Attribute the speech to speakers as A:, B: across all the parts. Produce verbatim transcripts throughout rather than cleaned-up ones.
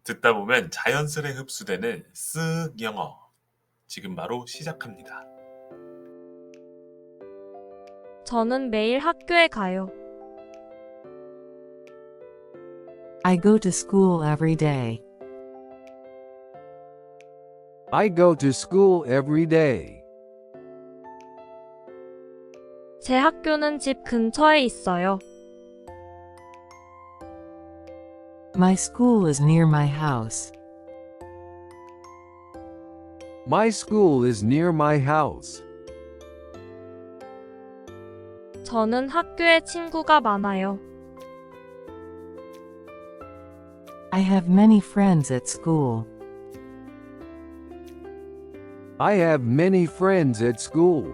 A: 듣다 보면 자연스레 흡수되는 쓱 영어. 지금 바로 시작합니다.
B: 저는 매일 학교에 가요.
C: I go to school every day.
D: I go to school every day.
B: 제 학교는 집 근처에 있어요.
C: My school is near my house.
D: My school is near my house.
B: 저는 학교에 친구가 많아요.
C: I have many friends at school.
D: I have many friends at school.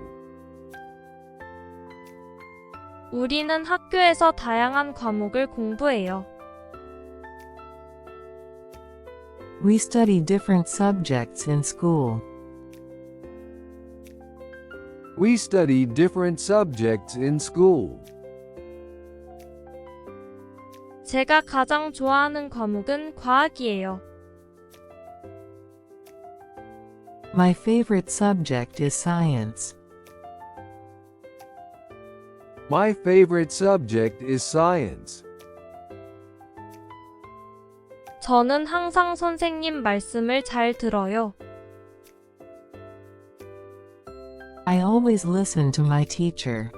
B: 우리는 학교에서 다양한 과목을 공부해요.
C: We study different subjects in school.
D: We study different subjects in school.
B: 제가 가장 좋아하는 과목은 과학이에요.
C: My favorite subject is science.
D: My favorite subject is science.
B: 저는 항상 선생님 말씀을 잘 들어요.
C: I always listen to my teacher.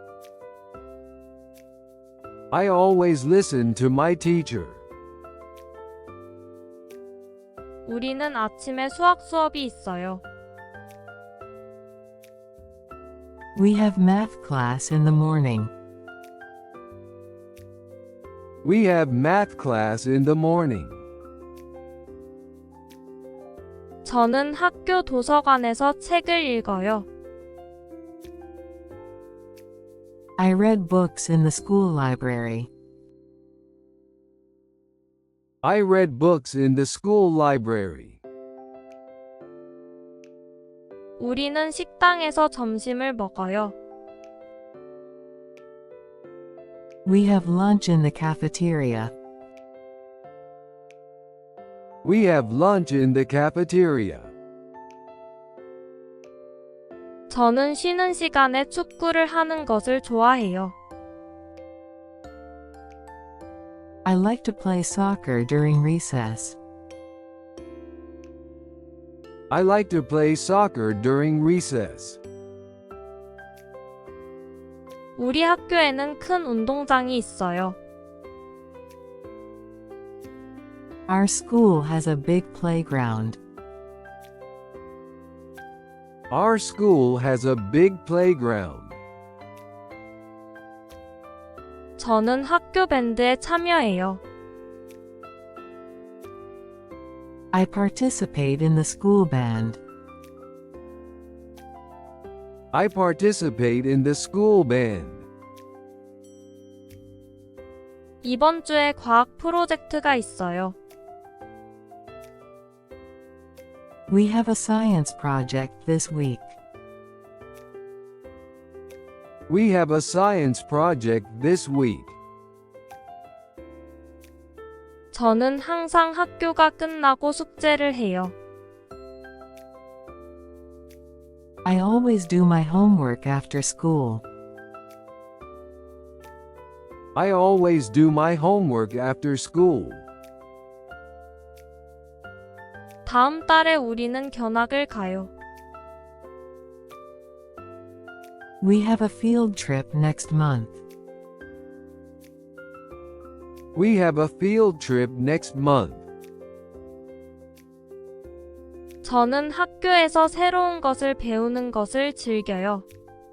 D: I always listen to my teacher.
B: 우리는 아침에 수학 수업이 있어요.
C: We have math class in the morning.
D: We have math class in the morning.
B: 저는 학교 도서관에서 책을 읽어요.
C: I read books in the school library.
D: I read books in the school library.
B: 우리는 식당에서 점심을 먹어요.
C: We have lunch in the cafeteria.
D: We have lunch in the cafeteria.
B: 저는 쉬는 시간에 축구를 하는 것을 좋아해요.
C: I like to play soccer during recess.
D: I like to play soccer during recess.
B: 우리 학교에는 큰 운동장이 있어요.
C: Our school has a big playground.
D: Our school has a big playground.
B: 저는 학교 밴드에 참여해요.
C: I participate in the school band.
D: I participate in the school band.
B: 이번 주에 과학 프로젝트가 있어요.
C: We have a science project this week.
D: We have a science project this week.
B: 저는 항상 학교가 끝나고 숙제를 해요.
C: I always do my homework after school.
D: I always do my homework after school.
B: 다음 달에 우리는 견학을 가요.
C: We have a field trip next month.
D: We have a field trip next month.
B: 저는 학교에서 새로운 것을 배우는 것을 즐겨요.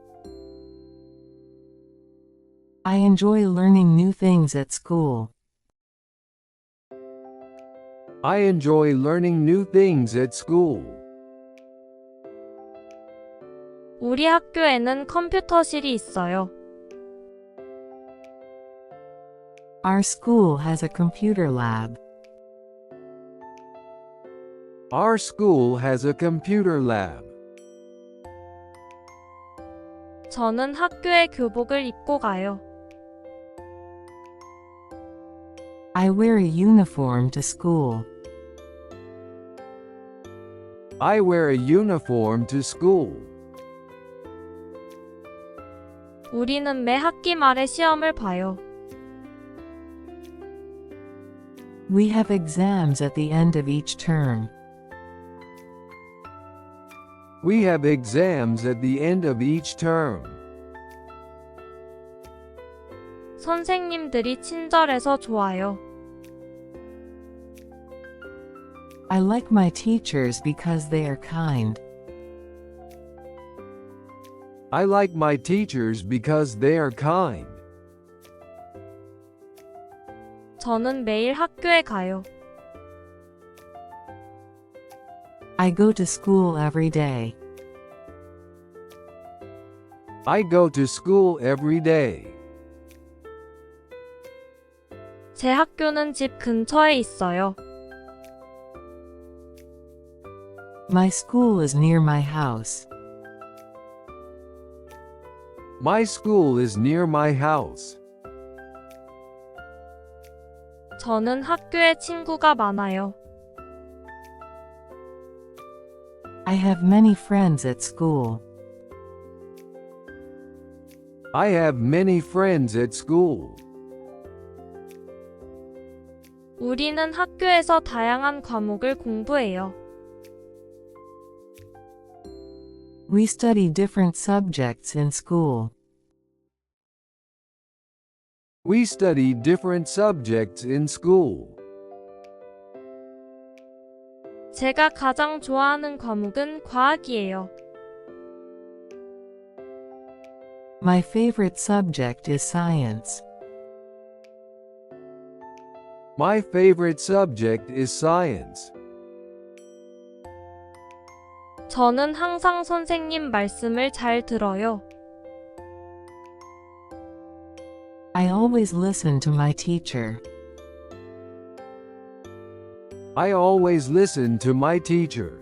C: I enjoy learning new things at school.
D: I enjoy learning new things at school.
B: 우리 학교에는 컴퓨터실이 있어요.
C: Our school has a computer lab.
D: Our school has a computer lab.
B: 저는 학교에 교복을 입고 가요.
C: I wear a uniform to school.
D: I wear a uniform to school.
B: 우리는 매 학기 말에 시험을 봐요.
C: We have exams at the end of each term.
D: We have exams at the end of each term.
B: 선생님들이 친절해서 좋아요.
C: I like my teachers because they are kind.
D: I like my teachers because they are kind.
B: 저는 매일 학교에 가요.
C: I go to school every day.
D: I go to school every day.
B: 제 학교는 집 근처에 있어요.
C: My school is near my house.
D: My school is near my house.
B: 저는 학교에 친구가 많아요.
C: I have many friends at school.
D: I have many friends at school.
B: 우리는 학교에서 다양한 과목을 공부해요.
C: We study different subjects in school.
D: We study different subjects in school.
B: 제가 가장 좋아하는 과목은 과학이에요.
C: My favorite subject is science.
D: My favorite subject is science.
B: 저는 항상 선생님 말씀을 잘 들어요.
C: I always listen to my teacher.
D: I always listen to my teacher.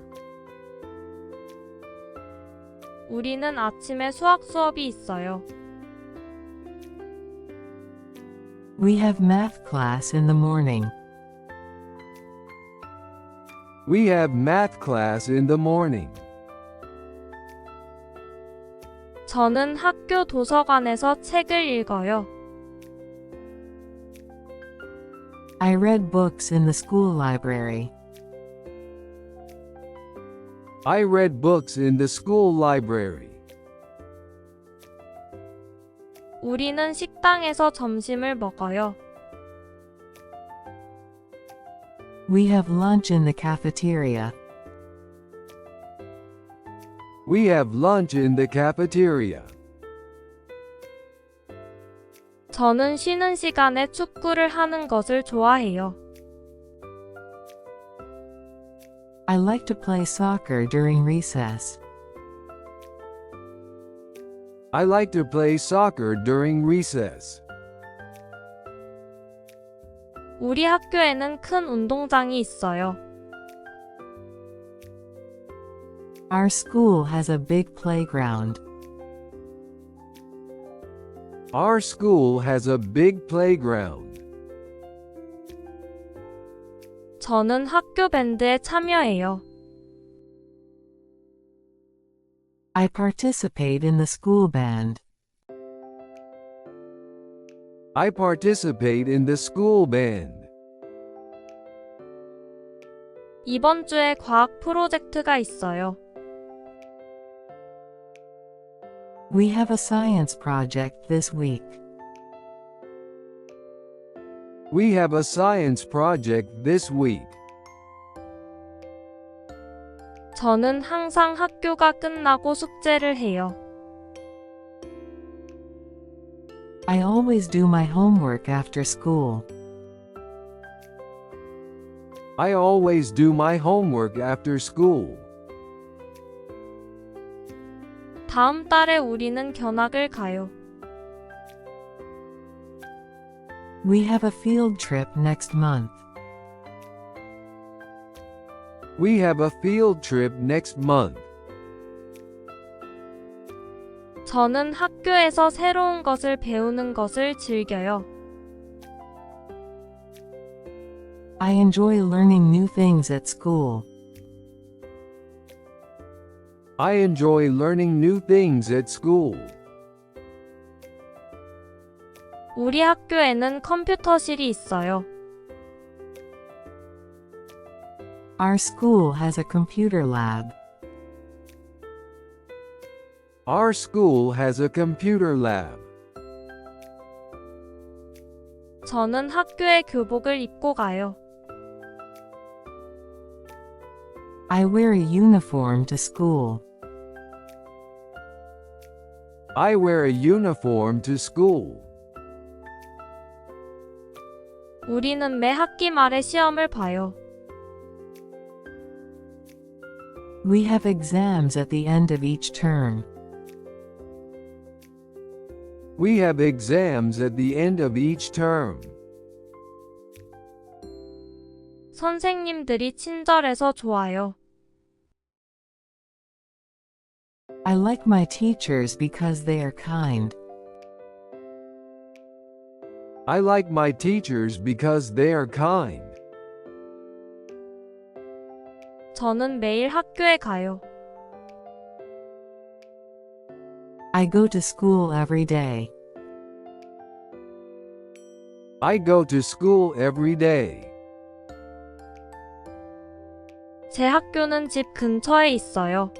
B: 우리는 아침에 수학 수업이 있어요.
C: We have math class in the morning.
D: We have math class in the morning.
B: 저는 학교 도서관에서 책을 읽어요.
C: I read books in the school library.
D: I read books in the school library.
B: 우리는 식당에서 점심을 먹어요.
C: We have lunch in the cafeteria.
D: We have lunch in the cafeteria.
B: 저는 쉬는 시간에 축구를 하는 것을 좋아해요.
C: I like to play soccer during recess.
D: I like to play soccer during recess.
B: 우리 학교에는 큰 운동장이 있어요.
C: Our school has a big playground.
D: Our school has a big playground.
B: 저는 학교 밴드에 참여해요.
C: I participate in the school band.
D: I participate in the school band.
B: 이번 주에 과학 프로젝트가 있어요.
C: We have a science project this week.
D: We have a science project this week.
B: 저는 항상 학교가 끝나고 숙제를 해요.
C: I always do my homework after school.
D: I always do my homework after school.
B: 다음 달에 우리는 견학을 가요.
C: We have a field trip next month.
D: We have a field trip next month.
B: 저는 학교에서 새로운 것을 배우는 것을 즐겨요.
C: I enjoy learning new things at school.
D: I enjoy learning new things at school.
B: 우리 학교에는 컴퓨터실이 있어요.
C: Our school has a computer lab.
D: Our school has a computer lab.
B: 저는 학교에 교복을 입고 가요.
C: I wear a uniform to school.
D: I wear a uniform to school.
B: 우리는 매 학기 말에 시험을 봐요.
C: We have exams at the end of each term.
D: We have exams at the end of each term.
B: 선생님들이 친절해서 좋아요.
C: I like my teachers because they are kind.
D: I like my teachers because they are kind.
B: 저는 매일 학교에 가요.
C: I go to school every day.
D: I go to school every day.
B: 제 학교는 집 근처에 있어요.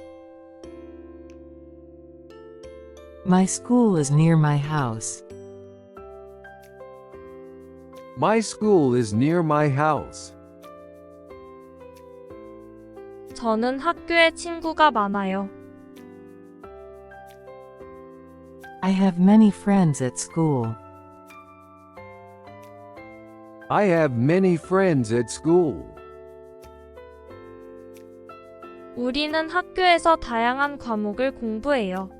C: My school is near my house.
D: My school is near my house.
B: 저는 학교에 친구가 많아요.
C: I have many friends at school.
D: I have many friends at school.
B: 우리는 학교에서 다양한 과목을 공부해요.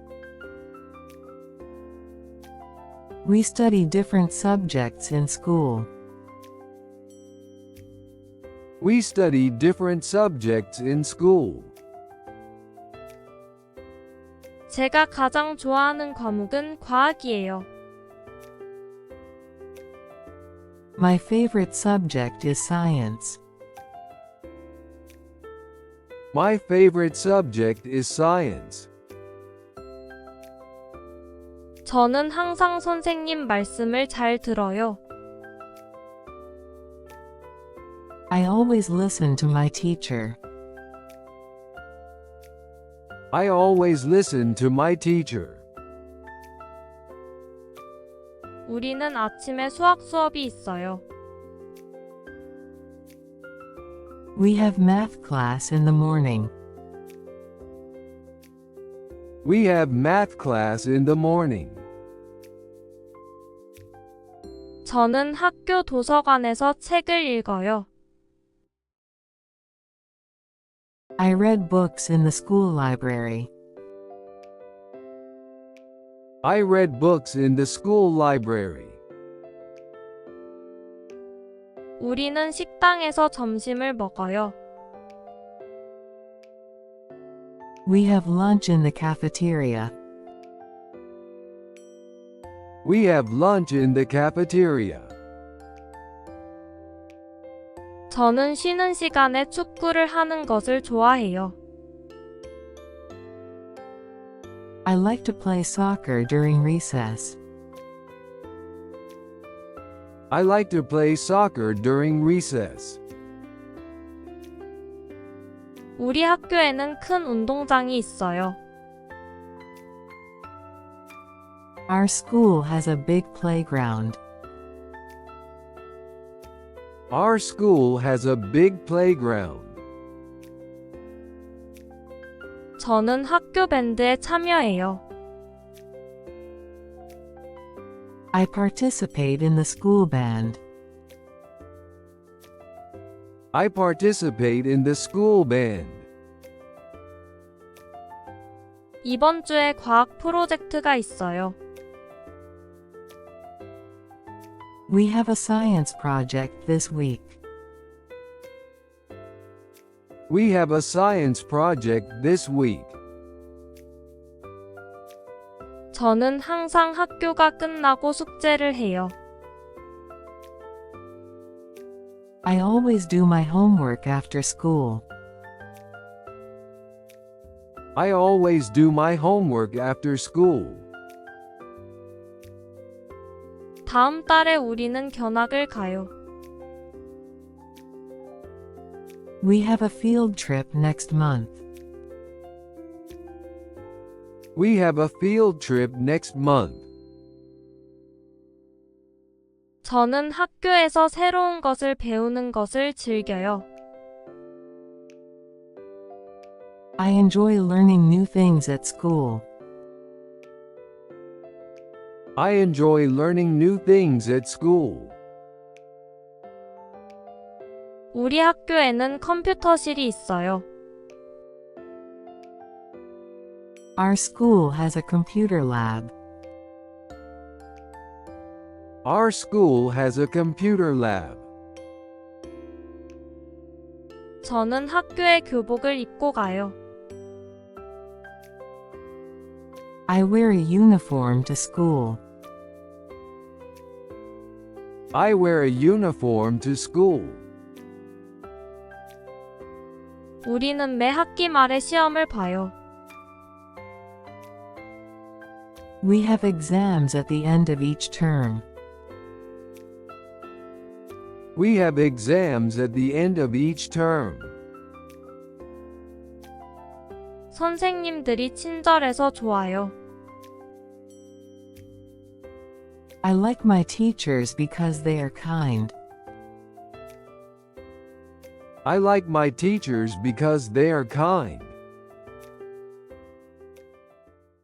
C: We study different subjects in school.
D: We study different subjects in school.
B: 제가 가장 좋아하는 과목은 과학이에요.
C: My favorite subject is science.
D: My favorite subject is science.
B: 저는 항상 선생님 말씀을 잘 들어요.
C: I always listen to my teacher.
D: I always listen to my teacher.
B: 우리는 아침에 수학 수업이 있어요.
C: We have math class in the morning.
D: We have math class in the morning.
B: 저는 학교 도서관에서 책을 읽어요.
C: I read books in the school library.
D: I read books in the school library.
B: 우리는 식당에서 점심을 먹어요.
C: We have lunch in the cafeteria.
D: We have lunch in the cafeteria.
B: 저는 쉬는 시간에 축구를 하는 것을 좋아해요.
C: I like to play soccer during recess.
D: I like to play soccer during recess.
B: 우리 학교에는 큰 운동장이 있어요.
C: Our school has a big playground.
D: Our school has a big playground.
B: 저는 학교 밴드에 참여해요.
C: I participate in the school band.
D: I participate in the school band.
B: 이번 주에 과학 프로젝트가 있어요.
C: We have a science project this week.
D: We have a science project this week.
B: 저는 항상 학교가 끝나고 숙제를 해요.
C: I always do my homework after school.
D: I always do my homework after school.
B: 다음 달에 우리는 견학을 가요.
C: We have a field trip next month.
D: We have a field trip next month.
B: 저는 학교에서 새로운 것을 배우는 것을 즐겨요.
C: I enjoy learning new things at school.
D: I enjoy learning new things at school.
B: 우리 학교에는 컴퓨터실이 있어요.
C: Our school has a computer lab.
D: Our school has a computer lab.
B: 저는 학교에 교복을 입고 가요.
C: I wear a uniform to school.
D: I wear a uniform to school.
B: 우리는 매 학기 말에 시험을 봐요.
C: We have exams at the end of each term.
D: We have exams at the end of each term.
B: 선생님들이 친절해서 좋아요.
C: I like my teachers because they are kind.
D: I like my teachers because they are kind.